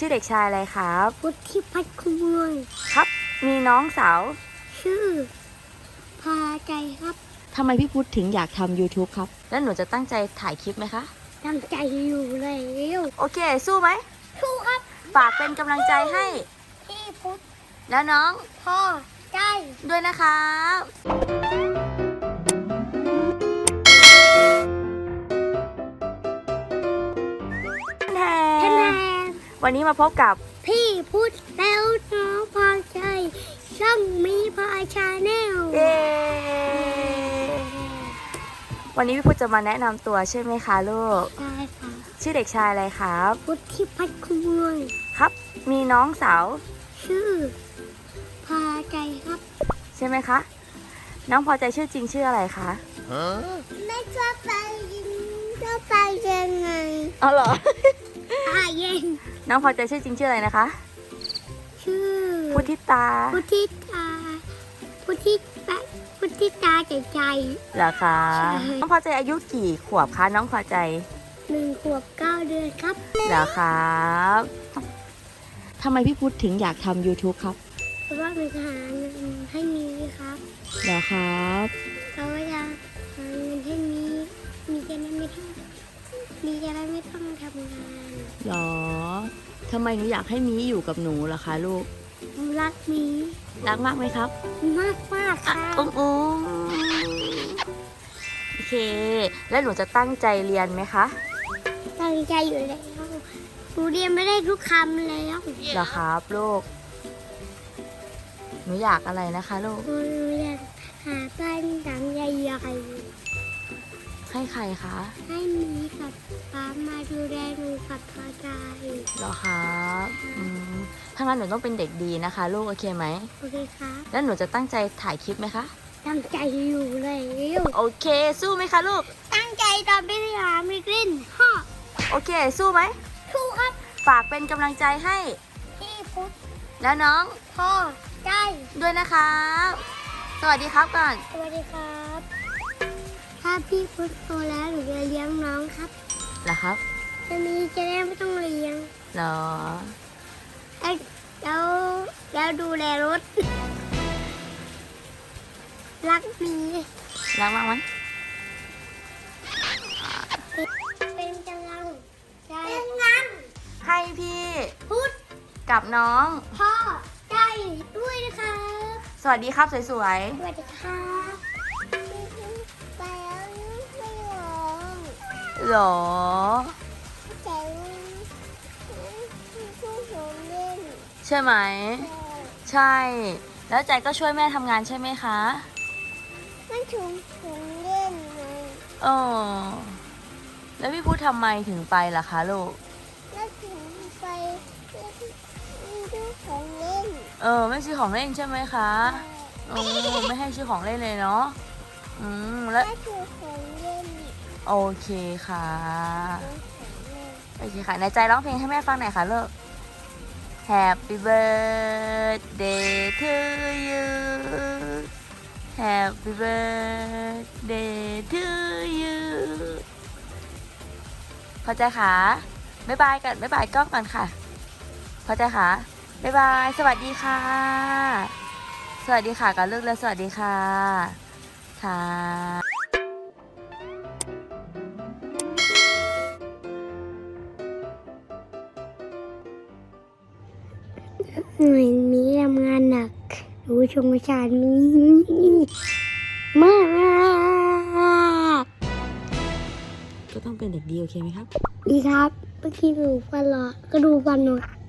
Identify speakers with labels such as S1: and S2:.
S1: ชื่อเด็กชายอะไรครับ
S2: พุทธิพัฒน์คุณเมือง
S1: ครับมีน้องสาว
S2: ชื่อพาใจครับ
S1: ทำไมพี่พุทธถึงอยากทำ YouTube ครับแล้วหนูจะตั้งใจถ่ายคลิปไหมคะ
S2: ตั้งใจอยู่แล้ว
S1: โอเคสู้ไหม
S2: สู้ครับ
S1: ฝากเป็นกำลังใจให้
S2: พี่พุทธ
S1: แล้วน้อง
S2: พ่อใจ
S1: ด้วยนะครับ
S2: แทน
S1: วันนี้มาพบกับ
S2: พี่พุทธแล้วน้องพาใจช่องมีพาชาแนล
S1: เย้วันนี้พี่พุทธจะมาแนะนำตัวใช่ไหมคะลูก
S2: ใช่ค่ะ
S1: ชื่อเด็กชายอะไรครับ
S2: พุทธิพัฒน์คุณเมือง
S1: ครับมีน้องสาว
S2: ชื่อพาใจครับ
S1: ใช่ไหมคะน้องพอใจชื่อจริงชื่ออะไรคะ
S2: ไม่ชอบไปยังไง
S1: อ๋อเหรอ
S2: เย็น
S1: น้องพอใจชื่อจริงชื่ออะไรนะคะ
S2: ชื่อ
S1: พุทธิตา
S2: พุทธิตาใจ
S1: เหรอคะน้องพอใจอายุกี่ขวบคะน้องพอใจ
S2: 1 ขวบ 9 เดือนครับ
S1: เหรอครับทำไมพี่พุทธถึงอยากทำ YouTube ครับ
S2: เพราะว่ามันหาเงินให้มีครับ
S1: เหรอครับ
S2: เราอยากหาเงินให้มีจะได้ไม่ต้องทำงาน
S1: หรอทำไมหนูอยากให้มีอยู่กับหนูล่ะคะลูก
S2: รักมี
S1: รักมากไหมครับ
S2: มากค่ะ
S1: โอเคแล้วหนูจะตั้งใจเรียนไหมคะ
S2: ตั้งใจอยู่แล้วหนูเรียนไม่ได้ทุกคำแล้ว
S1: เหรอครับลูกหนูอยากอะไรนะคะลูก
S2: หนูอยากหาบ้านหลังใหญ่
S1: ๆให้ใครคะ
S2: ให้มีกับป้ามาดูแลหนูกับพ่อใจ
S1: เหรอครับถ้างั้นหนูต้องเป็นเด็กดีนะคะลูกโอเคไหม
S2: โอเคครับ
S1: แล้วหนูจะตั้งใจถ่ายคลิปไหมคะ
S2: ตั้งใจอยู่แล้ว
S1: โอเคสู้ไหมคะลูก
S2: ตั้งใจตอนไปหามิกลินฮ่อ
S1: โอเคสู้ไหม
S2: สู้ครับ
S1: ฝากเป็นกำลังใจให้
S2: พี่พุทธ
S1: แล้วน้อง
S2: พ่อใจ
S1: ด้วยนะครับสวัสดีครับก่อน
S2: สวัสดีครับถ้าพี่พุทธโตแล้วหนูจะเลี้ยงน้องครับ
S1: เหรอครับ
S2: จะได้ไม่ต้องเลี้ยง
S1: เหรอ
S2: แล้วดูแลรถรักมี
S1: รักมากไหม
S2: เป็นกำลังใจ
S1: ให้พี่
S2: พุทธ
S1: กับน้อง
S2: พ่อใจด้วยนะคะ
S1: สวัสดีครับสวยๆ
S2: สวัสดีครับไปแล้วไม่ร้อง
S1: หรอ
S2: ใจ
S1: ใช่ไหมใช่แล้วใจก็ช่วยแม่ทำงานใช่ไหมคะ
S2: ไม่ถุงเล่นเลย
S1: แล้วพี่พุทธทำไมถึงไปล่ะคะลูก
S2: แล้วถึงไปซื้อของเล่น
S1: ไม่ซื้อของเล่นใช่ไหมคะไม่ให้ซื้อของเล่นเลยเนาะแล้ว
S2: ไม่ซื้อของเล่น
S1: โอเคค่ะโอเคค่ะในใจร้องเพลงให้แม่ฟังหน่อยค่ะลูกHappy birthday to you Happy birthday to you พอใจค่ะบ๊ายบายกันบ๊ายบายกล้องกันค่ะพอใจค่ะบ๊ายบายสวัสดีค่ะสวัสดีค่ะกับลูกแล้วสวัสดีค่ะค่ะ
S2: หน่วยนี้ทำงานหนักหนูชงประชานมีมาก
S1: ก็ต้องเป็นเด็กดีโอเคไหมครับ
S2: ดีครับเมื่อกี้หนูฟันหรอก็ดูฟันหนู